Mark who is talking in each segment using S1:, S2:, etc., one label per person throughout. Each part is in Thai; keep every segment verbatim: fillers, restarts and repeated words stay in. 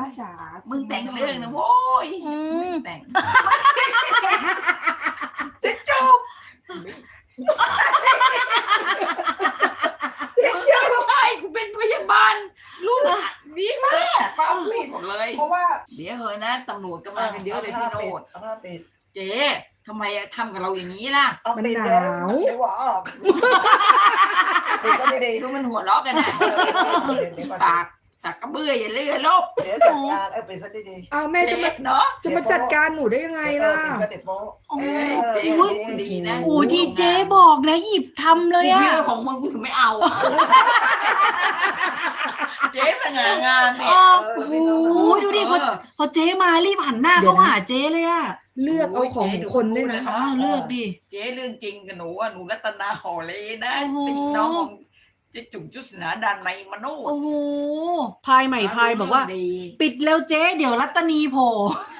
S1: จ๋า
S2: มึงแต่งเรื่องนะโว้ยมึงแต่ง
S1: เจ๊จุกเจ๊จุก
S2: ใช่กูเป็นพยาบาลลูกนี่มากป้าผิดหมดเลย
S1: เพราะว่า
S2: เดี๋ยวเฮ้ยนะตำรวจก็มากันเยอะเลยพี่โนด
S1: เอาผ้าปิด
S2: เจ๊ทำไมทำกับเราอย่างนี้ล่ะ
S1: เอาปิดเดี๋ยวเดี๋ยวหัวออกปิดก็ดี
S2: รู้มันหัวเราะกันนะ
S1: ๆเดี๋ยวเดี๋ยวก่อน
S2: ปากสักกระเบื้ออย่าเลื่อนลบ
S1: เดี๋ยวจัดการเออปิดซะดี
S3: อ้าวแม่จะ
S2: เจ๊
S3: มา
S2: เนาะ
S3: จะมาจัดการหนูได้ยัง
S1: ๆ
S3: ไง
S1: เอ
S3: ล่ะ
S1: อปิดซะเด็ดโป๊ะ
S2: โอ้ยเจ๊พูดดีนะ
S4: โอ้ที่เจ๊บอกนะหยิบทำเลยอะ
S2: เรื่องของมึงกูถึงไม่เอาอะเจ๊สง่างามเนี่ย
S4: อ๋อ
S1: เอ
S4: โอ้
S1: อ
S4: โห
S1: ไม่ต้อง
S4: ดูดิพอพอเจ๊มารีบหันหน้าเข้าหาเจ๊เลยอะ
S3: เลือกเอาของคนด้วยนะ
S4: อ้าวเลือกดิ
S2: เจ๊เรื่องจริงกับหนูอะหนูรัตนาหอเลยนะ
S4: โอ้โห
S2: เป็นน้องของเจ๊จุ๋มจุศนาดานในมโน
S4: โอ้โหพายใหม่พายบอกว่า
S2: ดี
S4: ปิดเร็วเจ๊เดี๋ยวรัตนีโผล่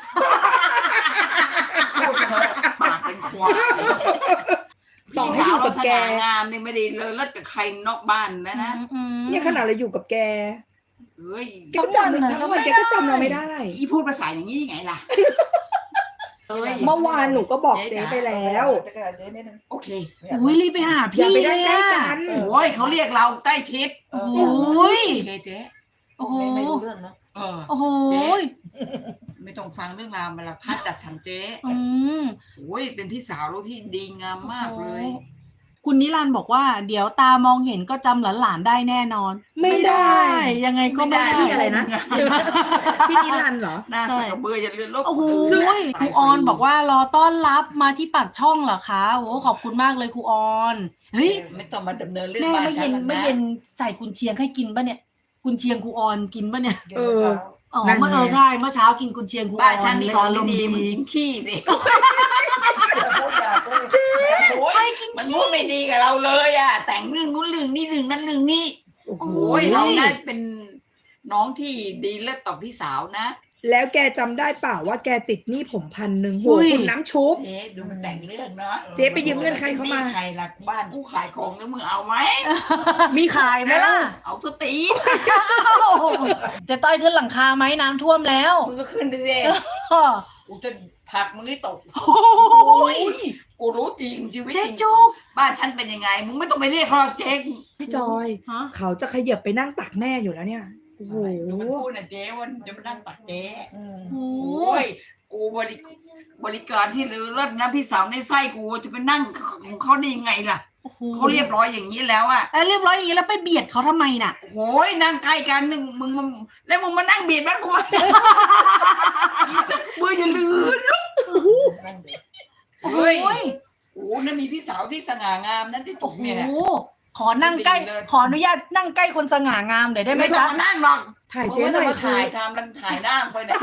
S2: พูดเถอะปากเป็นควาย
S3: ต่อให้อยู่กับแก
S2: พี่สาวเราสง่างามนี่ไม่ได้เลยเลิศกับใครนอกบ้านนะนะ
S4: อืม
S3: เนี่ยขนาดเราอยู่กับแก
S2: เฮ้ย
S3: แกก็จำทั้งวันแกก็จำเราไม่ได้
S2: อีพูดภาษาอย่างนี้ยังไงล่ะเอ้ย
S3: เมื่อวานหนูก็บอกเจ๊ไปแล้ว
S1: จัดการเจ๊นิดนึง
S2: โอเค
S4: อุ้ยรีบไปหา
S3: อย่า
S4: พี่
S3: ไป
S4: เล
S3: ได้
S4: ย
S3: ใกล้
S4: อะ
S3: กัน
S2: โอ้ยเขาเรียกเราใกล้ชิด
S1: เออ
S4: โอ้ย
S2: โอเคเจ๊
S4: โอ้โห
S1: ไม่ไม่รู้เรื่องเนาะ
S2: เออ
S4: โอ้โห
S2: ไม่ต้องฟังเรื่องราวมาละพัดจัดฉันเจ๊
S4: อืม
S2: โอ้ยเป็นพี่สาวลูกที่ดีงามมากเลย
S4: คุณนิรันดร์บอกว่า เดี๋ยวตามองเห็นก็จำหลานๆได้แน่นอน
S3: ไม่ได้
S4: ยังไงก็ไม่ได้
S3: พี่อะไรนะ พี่นิรันดร์เหรอ
S2: หน้าสักกระเบืออย่าเลือนลบ
S4: โอ้โห
S2: ซึ่ง
S4: ครูออนบอกว่ารอต้อนรับมาที่ปากช่องเหรอคะโอ้ขอบคุณมากเลยครูออนเฮ้ย
S2: ไม่ต้องมาดำเนินเรื่อง
S4: แม่
S2: บ้าน
S4: ไม่
S2: ฉั
S4: เย็
S2: น
S4: น
S2: หรอก
S4: ไม่
S2: นะ
S4: เย็นใส่กุนเชียงให้กินปะเนี่ยกุนเชียงครูออนกินปะเนี่ย
S1: เออ
S4: อ๋อ
S3: นั่นไง
S4: เมื่อเออใช่เมื่อเช้ากินกุนเชียงครูอ
S2: บ้าน
S4: อ
S2: ฉั
S4: น
S2: นนี่
S4: เลย
S2: ของ
S4: อารมณ์
S2: ดี
S4: ดี
S2: ๆมันกินขี้ดิ
S1: พูดอย่าพูด
S2: โอ้ยมันพูดไม่ดีกับเราเลยอ่ะ แต่งเรื่องนู้นเรื่องนี้เรื่องนั้นเรื่องนี้
S3: โอ้โห
S2: โอ้ยเรานั้นเป็นน้องที่ดีเลิศต่อพี่สาวนะ
S3: แล้วแกจำได้เปล่าว่าแกติดหนี้ผมพันหนึ่งโหคุณน้ำชุบ
S2: เจ๊ดูมันแต่งเรื่องเนาะ
S3: เจ๊ไปยืมเงินใครเข้ามา
S2: ใครหลักบ้านกูขายของแล้วมึงเอาไหม
S3: มี
S4: ขายไหมล่ะ
S2: เอาตัวตี
S4: จะต้อยขึ้นหลังคาไหมน้ำท่วมแล้ว
S2: มึงก็ขึ้นไปสิ
S4: อ้อ
S2: กูจะผลักมึงให้ตก
S4: โอ้ย
S2: กูรู้จริงชีวิต
S4: เจ๊
S2: จริง
S4: จุก
S2: บ้านฉันเป็นยังไง มึงไม่ต้องไปเรียกเขาหรอกเจ๊
S3: พี่จอย
S4: ฮะ
S3: เขาจะขยับไปนั่งตักแม่อยู่แล้วเนี่ย โอ้โห
S2: ดูมันพูดนะเจ๊ว่าจะมานั่งตักเจ๊
S1: อืม
S4: โอ้
S2: โอ้ย กูบริบริการที่เลิศนะพี่สาวในไส้กูจะไปนั่งของเขาได้ยังไงล่ะ
S4: โอ้โห
S2: เขาเรียบร้อยอย่างนี้แล้วอะ
S4: แล้วเรียบร้อยอย่างนี้แล้วไปเบียดเขาทำไมน่ะ
S2: โอ้ยนั่งใกล้กันหนึ่งมึงมึงแล้วมึงมานั่งเบียดบ้านกูไหมอีสักมืออย่าลืม
S1: นั่นดิ
S4: โอ้
S2: เฮ้ย
S4: ย
S2: โอ้นั่นมีพี่สาวที่สง่างามนั่นที่ต
S4: โอ้
S2: ก
S4: โห
S2: เนี่ยแหละ
S4: ขอนั่งใกล้
S2: ดีเลย
S4: ขออนุญาตนั่งใกล้คนสง่างามหน่อยได้ไหม
S2: ไม่ต้อ
S4: จ๊ะ
S2: งมานั่งหรอก
S3: ถ่ายเจ๊หน่อย
S2: มึงไม่ต้งมา
S3: คือ
S2: ถ่ายทำมันถ่ายหน้าไปเนี่ย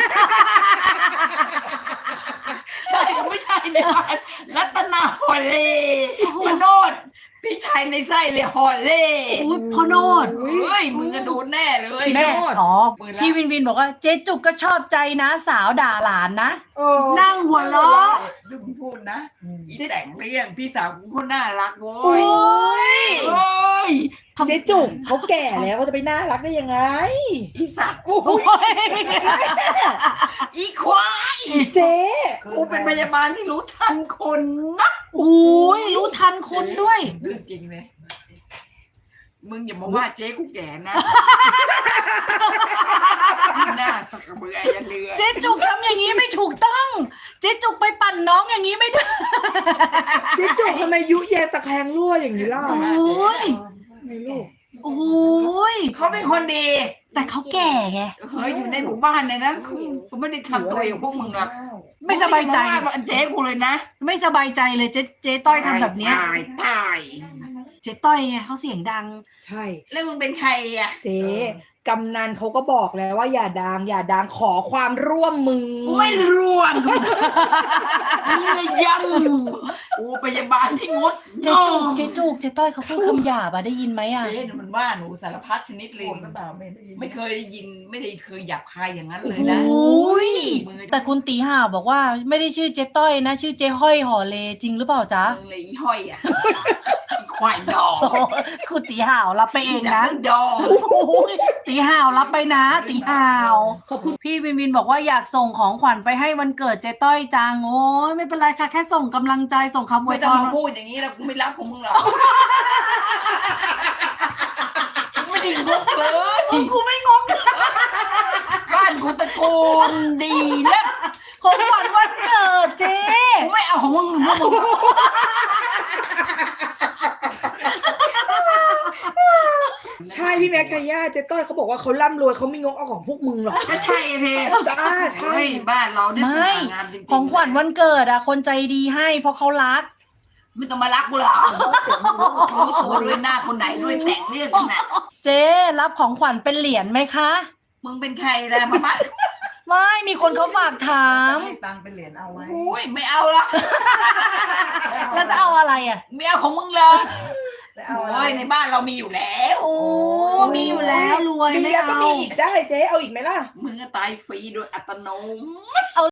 S2: ใช่ไม่ใช่เนี่ยรัตนาฮอลเล่มโนดพี่ชายในไส้เลยฮอลเล่
S4: อุ้ยพ่อโนด
S2: เฮ้ยมึงก็โดนแน่เลย
S4: แม่อ๋อ
S2: ปืนละ
S4: พี่วินวินบอกว่าเจ๊จุกก็ชอบใจนะสาวด่าหลานนะ
S3: เออ
S4: นั่งหัวเราะ
S2: ดูมึงพูดนะ
S1: อืม
S2: อีแต่งเรื่องพี่สาวกูคนน่ารักโว้
S4: โอ้
S2: ย
S4: ย
S2: โอ้ย
S3: เจ๊จุกเขาแก่แล้วเขาจะไปน่ารักได้ยังไง
S2: อีสัตว์
S4: โอ้ย
S2: อีควาย
S3: เจ๊
S2: กูเป็นพยาบาลที่รู้ทันคนนะ
S4: โอ้ยรู้ทันคนด้วย
S2: เรื่องจริงเลยมึงอย่ามาว่าเจ๊กูแก่นะหน้าสักกระเบืออย่าเลือ
S4: เจ๊จุกทำอย่างนี้ไม่ถูกต้อง เจ๊จุกไปปั่นน้องอย่างนี้ไม่ได้
S3: เจ๊จุกทำไมยุแยตะแคงรั่วอย่างนี้ล่ะ
S4: โอ้ย
S3: ไม่ลูก
S4: โอ้ย
S2: เขาเป็นคนดี
S4: แต่เขาแก่ไง
S2: เฮ้ยอยู่ในหมู่บ้านเนี่ยนะเขาเขาไม่ได้ทำตัวอย่างพวกมึงหรอก
S4: ไม่สบายใจ
S2: มึงอย่มว่าเจ๊กูเลยนะ
S4: ไม่สบายใจเลยเจ๊เจ๊ต้อยทำแบบเนี้ย
S2: ตายตาย
S4: เจ๊ต้อยไงเขาเสียงดัง
S3: ใช่
S2: แล้วมึงเป็นใครอ่ะ
S3: เจ๊กำนันเขาก็บอกแล้วว่าอย่าดังอย่าดังขอความร่วมมือ
S2: กูไม่ร่วมกูนี่เลยยังกูพยาบาลที่งด
S4: เจ๊จุกเจ๊จุกเจ๊ต้อยเขาพูดคำหยาบอะได้ยินไหมอะ
S2: เจ๊เนี่ยมันว่าหนูสารพัดชนิดเลย
S1: พูดหรือเปล่าไม่ได้ยิน
S2: ไม่เคยได้ยินไม่ได้เคยหยาบคายอย่างนั้น
S4: โอ
S2: เลยนะ
S4: ้ย
S2: มือ
S4: แต่คุณตีห่าบอกว่าไม่ได้ชื่อเจ๊ต้อยนะ ชื่อเจ๊ห้อยห่อเลจริงหรือเปล่าจ๊ะ
S2: มึงเลยอีห้อยอ่ะอีคควายดอง
S4: คุณตีห่าวรับไปเองนะ
S2: ดอง
S4: โอ้โหตีห่าวรับไปนะ ตีห่าว
S3: ขอบคุณ
S4: พี่วินวินบอกว่าอยากส่งของขวัญไปให้วันเกิดเจ๊ต้อยจังโอ้ยไม่เป็นไรค่ะแค่ส่งกำลังใจส่งคำอว
S2: ไม่
S4: ย
S2: ต้
S4: พ
S2: อง
S4: ร
S2: มาพูดอย่างนี้แล้วกูไม่รับของมึงหรอกไม่ได้งกเลย
S4: กูไม่งง
S2: บ้านกูตระกูลดีแล้ว
S4: ของขวัญวันเกิดเจ๊
S2: กูไม่เอาของมึงพวกมึง
S3: ใช่พี่แม็กซ์ไทย่าเจ๊ต้อยเขาบอกว่าเขาร่ำรวยเขาไม่งกเอาของพวกมึงหรอก
S2: ก็ใช่เท
S3: จ้าใช่
S2: เฮ้ยบ้านเราเนี่ยส
S4: ไม่
S2: ง่างามจริงๆ
S4: ของขวัญวันเกิดอะคนใจดีให้เพราะเขารัก
S2: ไม่ต้องมารักกูหรอกรู้ตัวด้วยหน้าคนไหนด้วยแต่งเรื่องขนาด
S4: เจ๊รับของขวัญเป็นเหรียญไหมคะ
S2: มึงเป็นใครล่ะมาบ้า
S4: ไม่มีคนเขาฝากถาม
S1: ให้ตังค์เป็นเหรียญเอาไว้
S2: โอ้ยไม่เอาละ
S4: แล้วจะเอาอะไรอะ
S2: ไม่เอาของมึงเลย
S1: แล้วเอาอะไร
S2: โอ้ยในบ้านเรามีอยู่แล้ว
S4: โอ้มีอยู่แล้วรวย
S3: มี
S4: ไม่
S3: แล้วก็
S4: เอา
S3: มีอีกได้เจ๊เอาอีกไหมล่ะ
S2: มึงก็ตายฟรีโดยอัตโนมัติ